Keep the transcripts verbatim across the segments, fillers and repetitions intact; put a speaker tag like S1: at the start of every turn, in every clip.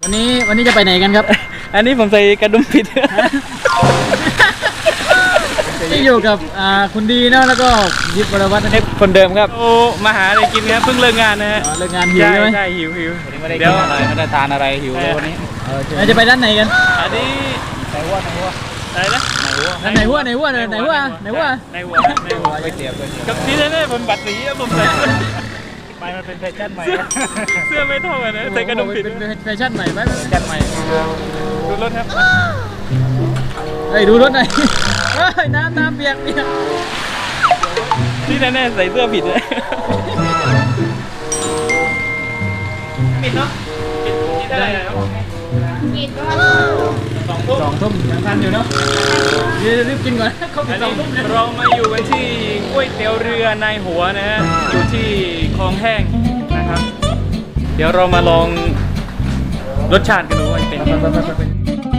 S1: วันนี้วันนี้จะไปไหนกันครับ
S2: อันนี้ผมใส่กระดุมผิด
S1: ที่อยู่กับอ่าคุณดีเนาะแล้วก็ยิบวรวัฒน์นะครับ
S2: คนเดิมครับโอ้มาหาอะไรกินครับเพิ่งเลิกงานนะฮะ
S1: อ๋อเลิกงานหิว
S2: ใช่
S1: ใช่ไหม
S2: ใช่หิวหิว
S3: ไม่ได้
S2: เดี๋
S3: กิ
S2: ยวน
S3: อะไรไม่ได้ทานอะไรหิวเลยวันนี้
S1: เราจะไปด้านไหนกัน
S2: อันนี้
S3: ไหนวัวไหนวัว
S2: อะไรนะ
S1: ไหนหัวไหนหัวไหนหัวไหนหัว
S2: ในหัวในหัว
S3: ก๋วยเตี๋ยวก๋วยเตี๋ยว
S2: กับที่แน่ๆผมบัตรสีอะผมใส่เสื้อ
S3: ไปมันเป็นแฟชั่นใหม่
S2: เสื้อไม่เท่ากันนะใส่กระดุมผิด
S1: เป็นแฟชั่นใหม่ไหม
S3: แฟชั่นใหม่
S2: ดูรถครับ
S1: เฮ้ยดูรถหน่อยเฮ้ยน้ำน้ำเปียกเปียก
S2: ที่แน่ๆใส่เสื้อผิดเลยปิดเนาะปิดที่เท่าไหร่แล้ว
S4: กินด้วย
S2: สองทุ่ม
S1: สองทุ่มยังทันอยู่เนาะรีบกินก่อนเขาปิ
S2: อั
S1: ด
S2: น
S1: สอง
S2: นี้
S1: ทุ่มเลย
S2: เรามาอยู่กันที่ก๋วยเตี๋ยวเรือในหัวนะฮะอยู่ที่คลองแห้งนะครับ เดี๋ยวเรามาลองรสชาติกันดูว่าเป็นยังไง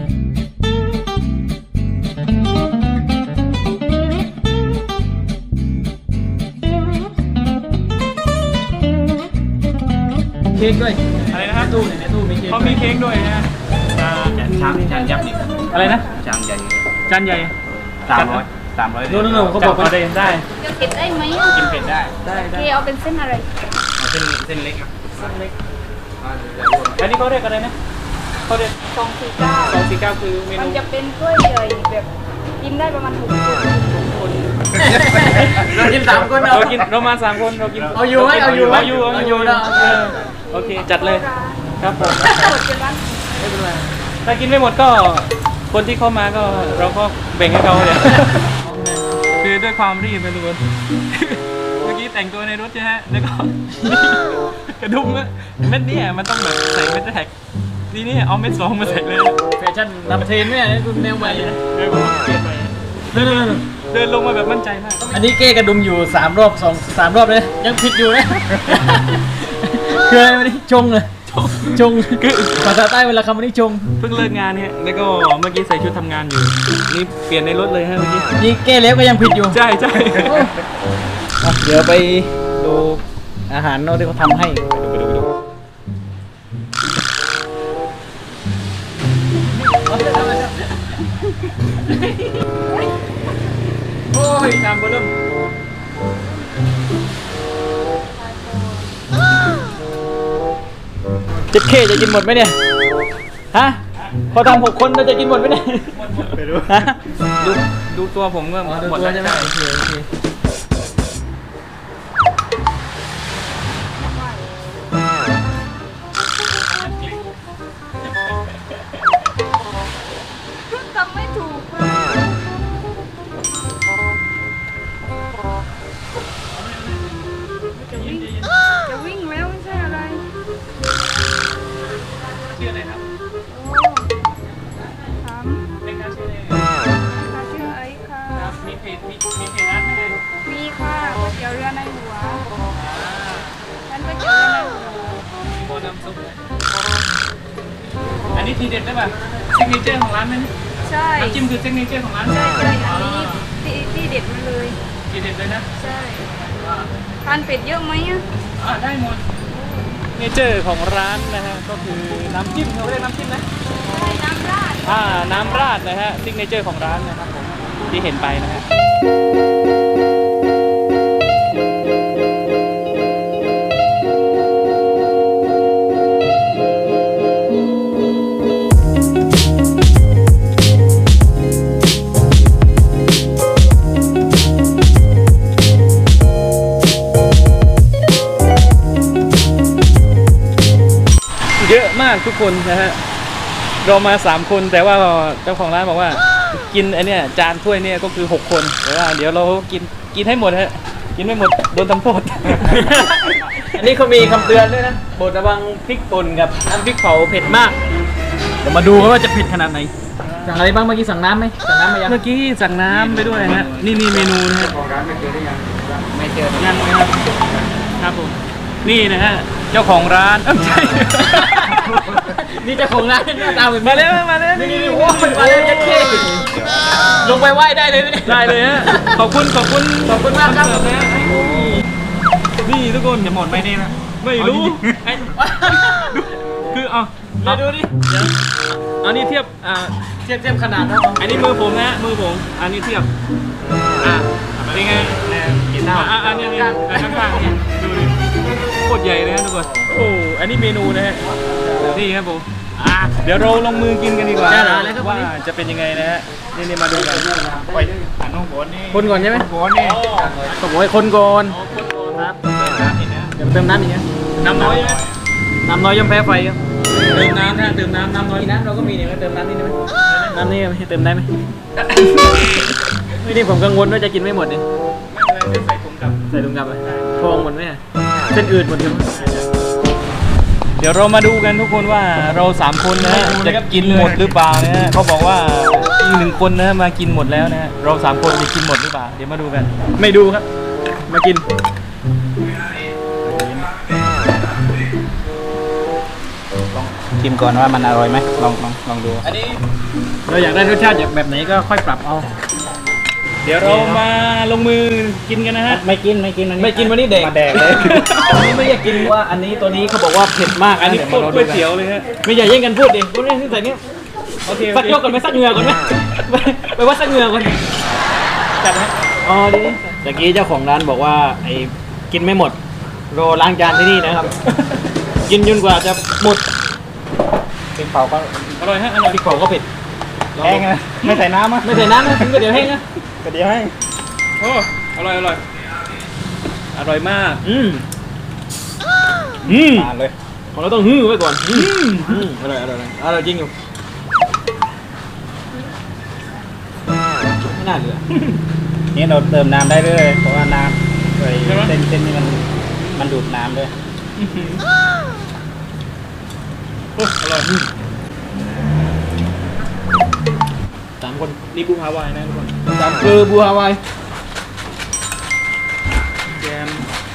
S1: เค้กด้วย
S2: อะไรนะครับ
S1: ตู้ในตู้มีเค้ก
S2: เขามีเค้กด้วยนะฮะอ่า
S3: ชามชามยักษ์นี่
S2: อะไรนะ
S3: ชามใหญ่
S2: จานใหญ่
S3: สามร้อยสามร้อย
S1: โน่นโน่นเขาบอก
S2: จัด
S1: ว่า
S2: มาได้ได้
S4: จะเผ็ดได้ไหม
S3: กินเผ็ดได้
S2: ได้
S4: โอ
S2: ได้
S4: เคเอาเป็นเส้นอะไร
S3: เอาเส้นเส้นเล็กอ่ะ
S2: เล็กอันนี้เขาเรียกอะไรนะเขาเรียก
S4: สองสี่เก้า
S2: สองสี่เก้าคือเม
S4: มัน
S2: นู
S4: จะเป็นกล้วยใหญ่แบบกินได้ประมาณหกคน
S1: เรากินสามคน
S2: เรากินเรามาสามคนเรากิน
S1: เอาอยู่ไหมเอาอยู่ไหม
S2: เอาอยู่เอาอยู่
S1: เนาะ
S2: เออโอเคจัดเลยครับผม
S4: หมดเป็นร้าน
S2: ไม่เป็นไรถ้ากินไม่หมดก็คนที่เข้ามาก็เราก็แบ่งให้เขาเลย คือด้วยความรีบนะทุกคน เมื่อกี้แต่งตัวในรถใช่ไหมแล้วก็ กระดุมอะเม็ดเนี่ยมันต้องแบบใส่เม็ดแท็กทีนี้เอาเม็ดสองมาใส่เลย
S1: แฟชั่นนำเทรนด์เนี่ยคุณแนวใหม่นะ
S2: เดินมาเปลี่ยนไป
S1: เดิน
S2: เดินลงมาแบบมั่นใจมาก
S1: อันนี้เก้กระดุมอยู่สามรอบสองสามรอบเลยยังผิดอยู่นะคืออะไรวันนี้ชงเลยชงคือภาษาใต้เวลาคำวันนี้ชง
S2: เพิ่งเลิกงานเนี่ยแล้วก็เมื่อกี้ใส่ชุดทำงานอยู่ นี่เปลี่ยนในรถเลยฮะเมื่อกี้
S1: นี่เก้แล้วก็ยังผิดอยู่
S2: ใช่ใช่
S1: เดี๋ยวไปดูอาหารเนาะที่เขาทำให้ไปดูไปดูโอ้ยจามเบอร์เริ่มเจ็ดเคจะกินหมดไหมเนี่ยฮะพอทำหกคนเราจะกินหมดไหมเนี่ย
S2: ไปดู
S1: ฮะ
S2: ดูดูตัวผมก็
S1: อ๋อดู
S2: หมด
S1: ตัว
S2: แล้ว
S1: ใช่ไหม
S2: ใช่
S1: โอเคโอเค
S4: ทำไม่ถูกเลยจะวิ่งจะวิ่งแล้วไม่ใช่อะไร
S2: ชื่ออะไรครับ
S4: โอ้ถาม
S2: เล็กครับชื่ออะไร
S4: ค่ะชื่อไอ้ค่ะ
S2: ครับมีเพจมีมีเพจร้านไหม
S4: มีค่ะก๋วยเตี๋ยวเรือในหัวฉันก๋วยเตี๋ยวเรือในหัว
S2: มีโบน้ำซุปอันนี้ทีเด็ดได้ป่ะซิกเนเจอร์ของร้านไหม
S4: ใช่
S2: น้ำจิ้มคือซิกเนเจอร์ของร้าน
S4: ใช่ใช่อันนี้ที่ที่เด็ดมาเลย
S2: ทีเด็ดเลยนะ
S4: ใช่ทานเป็ดเยอะไหมอ่ะ
S2: อ่าได้หมดเนเจอร์ของร้านนะฮะก็คือน้ำจิ้มเขาเรียกน้ำจิ้มนะ
S4: ใช่น้ำราด
S2: อ่าน้ำราดนะฮะซิกเนเจอร์ของร้านนะครับผมที่เห็นไปนะฮะเยอะมากทุกคนนะฮะเรามาสามคนแต่ว่าเจ้าของร้านบอกว่ากินอันเนี้ยจานถ้วยเนี่ยก็คือหกคนแต่ว่าเดี๋ยวเรากินกินให้หมดฮะกินไม่หมดโดนทำโทษ
S1: อันนี้เขามีคำเตือนด้วยนะโปรดระวังพริกป่นกับน้ำพริกเผาเผ็ดมากเดี๋ยวมาดูกันว่าจะเผ็ดขนาดไหนสั่งอะไรบ้างเมื่อกี้สั่งน้ำไหมสั่งน้ำมายัง
S2: เมื่อกี้สั่งน้ำไปด้วยฮะนี่นี่เมนูนะฮะ
S3: ของร้านไม่เจอได้ยังไม่เจอ
S2: ยังนะครับครับผมนี่นะฮะเจ้าของร้านเอ้าไม่ใช่
S1: นี่เจ้าของร้านหน้าตาเหมือน
S2: มาแล้วมาแล้ว
S1: นี่นี่นี่โอ้มันมาแล้วจะเท่ลงไปไหว้ได้เลยไหมเนี่ย
S2: ได้เลยฮะขอบคุณขอบคุณ
S1: ขอบคุณมากครับ
S2: นเสินะฮะนี่ทุกคนจะหมดไหมนี่นะไม่รู้
S1: ไอ้
S2: คือเอา
S1: มาดูดิ
S2: เดี๋ยวอันนี้เทียบอ่า
S1: เทียบเทียบขนาดนะ
S2: อันนี้มือผมนะฮะมือผมอันนี้เทียบอ่าเป็นไง
S3: แนวกินข้าว
S2: อ่าอันนี้เนี่ยข้างๆเนี่ยดูดิโคตรใหญ่เลยนะทุกคนโอ้อันนี้เมนูนะฮะนี่ครับผมอ่าเดี๋ยวเราลงมือกินกันดีกว่า
S1: ได้แล้วเลยครับ
S2: ว่าจะเป็นยังไงนะฮะนี่นี่มาดูกัน
S3: ไปหันน้องโบนนี่
S1: คนก่อนใช่ไหม
S3: โบนนี่
S1: ต้องบอกให้คนก่อน
S2: อ๋อคนโต
S1: ครับ
S3: นี่นะ
S1: เดี๋ยวเติมน้ำอีกนะ
S2: น้ำน้อยไหม
S1: น้ำน้อยย่อมแพ้ไฟครับ
S2: เติมน้ำนะเติมน้ำน้ำน้อย
S1: มีน้ำเราก็มีเนี่ยเติมน้ำนี่ได้ไหมน้ำนี่ไม่เติมได้ไหมไม่นี่ผมกังวลว่าจะกินไม่หมดเนี่ย
S2: ไม่เป็นไรเดี๋ยวใส่ถุงกลับ
S1: ใส่ถุงกลับไปทองหมดไหมอะเส้นอืดหมดใช่ไหม
S2: เดี๋ยวเรามาดูกันทุกคนว่าเราสามคนนะฮะจะกินหมดหรือเปล่านะฮะเขาบอกว่าอีกหนึ่งคนนะมากินหมดแล้วนะฮะเราสามคนจะกินหมดหรือเปล่าเดี๋ยวมาดูกัน
S1: ไม่ดูครับ มากิน
S3: ชิมก่อนว่ามันอร่อยไหมลองลองลองดู
S2: อันนี้
S1: เราอยากได้รสชาติแบบไหนก็ค่อยปรับเอา
S2: เดี๋ยวเรามาลงมือกินกันนะฮะ
S3: ไม่กินไม่กิน
S1: ไม่กินวันนี้เด็ก
S3: มาแดกเลย
S1: อันนี้ไม่อยากกินว่าอันนี้ตัวนี้เขาบอกว่าเผ็ดมาก
S2: อันนี้
S1: ดี๋
S2: โค
S1: ว
S2: ตร
S1: มา
S2: ก๋วยเตี๋ยวเลยฮะ
S1: ไม่อย่าแย่งกันพูดดิพูดเรื่องที่ใส่นี่
S2: โอเค
S1: สักยกก่อนไหมสักเหงื่อก่อนไหมไปไปวัดสักเหงื่อก่อน
S2: จัดนะ
S1: อ๋อดิตะกี้เจ้าของร้านบอกว่าไอ้กินไม่หมดรอล้างจานที่นี่นะครับ กินจนกว่าจะหมด
S3: เป็นเปล่าก็
S2: อร่อยฮะอร่อย
S1: พริกเผาก็เผ็ด
S3: แห้งนะไม่ใส่น้ำอ่ะ
S1: ไม่ใส่น้ำนะถึงก็เดี๋ยวแห้งนะ
S3: ก็เดี๋ยวให้
S2: โอ้อร่อยอร่อยอร่อยมาก
S1: อืมอืม
S3: ทานเลย
S1: ของเราต้องฮื้อไว้ก่อนอืมอืมอร่อยอร่อยอร่อยอร่อยจริงอยู่ไม่น่าเหลือ
S3: นี่เราเติมน้ำได้เลยเพราะว่าน้ำไอ้เส้นเส้นนี่มันมันดูดน้ำด้วย
S2: โอ้อร่อย
S1: สามคน
S2: นี่บูฮาวายนะทุกคน
S1: สามคือบัวฮาวาย
S2: แกม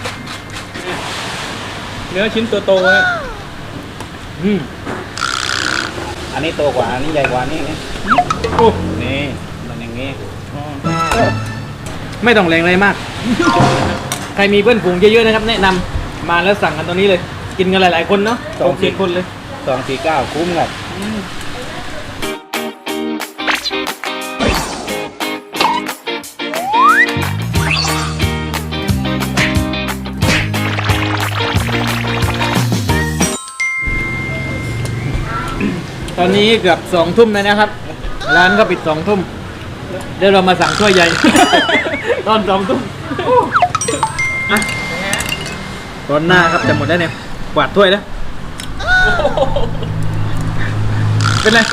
S2: เนื้อชิ้นตัวโตฮะ
S1: อืม
S3: อันนี้โตกว่าอันนี้ใหญ่กว่านี่นี่
S1: โอ้
S3: นี่มันอย่างงี้
S2: อ๋อ
S1: ไม่ต้องแรงอะไรมาก ใครมีเพื่อนฝูงเยอะๆนะครับ แนะนำมาแล้วสั่งกันตัวนี้เลย กินกันหลายๆคนเนาะสองสี่คนเลย
S3: สองสี่เก้าคุ้มครับ
S1: ตอนนี้เกือบสองทุ่มแล้วนะครับ ร้านก็ปิดสองทุ่มเดี๋ยวเรามาสั่งถ้วยใหญ่ ตอนสองทุ่มอ่ะตอนหน้าครับจะหมดแล้วเนี่ยกวาดถ้วยแล้ว เป็นไร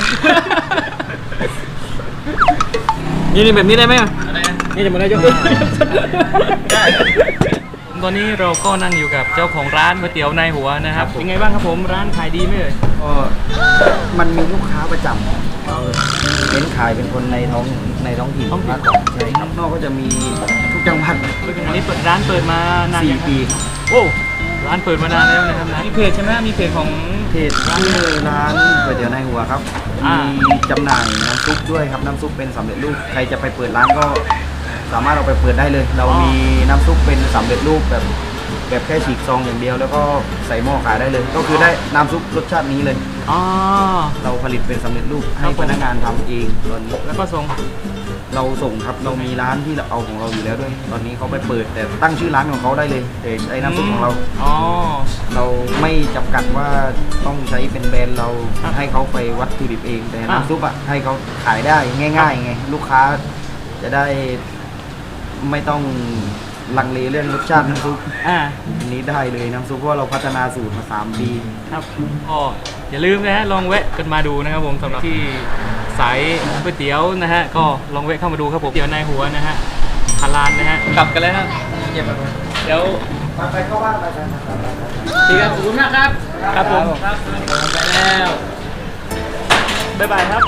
S1: นี่นี่แบบนี้ได้ไหมอ่ะ
S2: อะไรนะ
S1: นี่จะหมดแล้วยก
S2: ได้ตอนนี้เราก็นั่งอยู่กับเจ้าของร้านก๋วยเตี๋ยวในหัวนะครับเป็นไงบ้างครับผมร้านขายดีไหมเอ่ย
S3: ก็มันมีลูกค้าประจำเราเน้นขายเป็นคนในท้องในท้องถิ่นมากกว่าใช่ครับนอกก็จะมีทุกจังหวัด
S2: อันนี้เปิดร้านเปิดมานาน
S3: สี่
S2: ยังครับ
S3: ปี
S2: โอ้ร้านเปิดมานานแล้วนะครับนะมีเพจใช่ไหมมีเพจของ
S3: เพจชื่อร้านก๋วยเตี๋ยวในหัวครับ
S2: อ่า
S3: มีจำหน่ายน้ำซุปด้วยครับน้ำซุปเป็นสำเร็จรูปใครจะไปเปิดร้านก็สามารถเอาไปเปิดได้เลย เรามีน้ำซุปเป็นสำเร็จรูปแบบแบบแค่ฉีกซองอย่างเดียว แล้วก็ใส่หม้อขายได้เลย ก็คือได้น้ำซุปรสชาตินี้เลย
S2: อ๋อ
S3: เราผลิตเป็นสำเร็จรูปให้พนักงานทำเองตอนนี้
S2: แล้วก็ส่ง
S3: เราส่งครับเรามีร้านที่เราเอาของเราอยู่แล้วด้วย ตอนนี้เขาไปเปิดแต่ตั้งชื่อร้านของเขาได้เลยแต่ใช้น้ำซุปของเรา
S2: อ๋อ
S3: เราไม่จำกัดว่าต้องใช้เป็นแบรนด์เรา
S2: ครับ
S3: ให้เขาไปวัตถุดิบเอง แต่
S2: อ่ะ
S3: น้ำซุปอ่ะให้เขาขายได้ง่ายๆไงลูกค้าจะได้ไม่ต้องลังเลเรื่องรสชาติน้ำซุป
S2: อ่า
S3: อันนี้ได้เลยน้ำซุปเพราะว่าเราพัฒนาสูตรมาสามปี
S2: ครับก็อย่าลืมนะฮะลองแวะกันมาดูนะครับผมสำหรับที่สายก๋วยเตี๋ยวนะฮะก็ลองแวะเข้ามาดูครับผมเตี๋ยวในหัวนะฮะฮาลานนะฮะกลับกันแล้วครับเดี๋ยว
S3: ไปเข้าบ้านไปกัน
S1: ดีครับขอบคุณมากครับ
S2: ครับผม
S1: ครับไปแล้ว
S2: บ๊ายบายครับ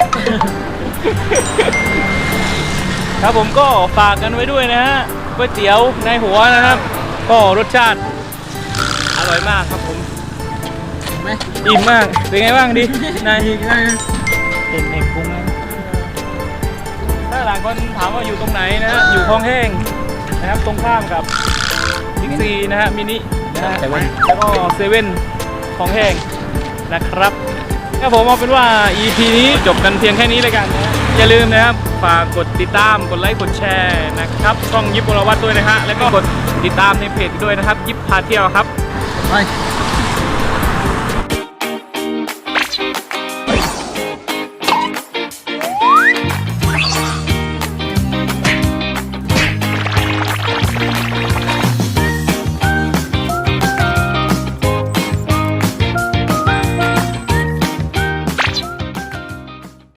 S2: ครับผมก็ฝากกันไว้ด้วยนะฮะก๋วยเตี๋ยวในหัวนะครับ ก็รสชาติอร่อยมากครับผม
S1: ไหม
S2: อิ่มมากเป็นไงบ้างดินาย
S1: อีกแล้วนะ
S2: เห็นเห็นกุ้งไหมถ้าหลายคนถามว่าอยู่ตรงไหนนะฮะอยู่คลองแห้งนะครับตรงข้ามกับบิ๊กซีนะฮะมินินะฮะแล้วก็เซเว่นคลองแห้งนะครับครับผมเอาเป็นว่า อี พี นี้จบกันเพียงแค่นี้เลยกันนะอย่าลืมนะครับฝากกดติดตามกดไลค์กดแชร์นะครับช่องยิปวรวัฒน์ด้วยนะฮะแล้วก็กดติดตามในเพจด้วยนะครับยิปพาเที่ยวครับ
S1: ไป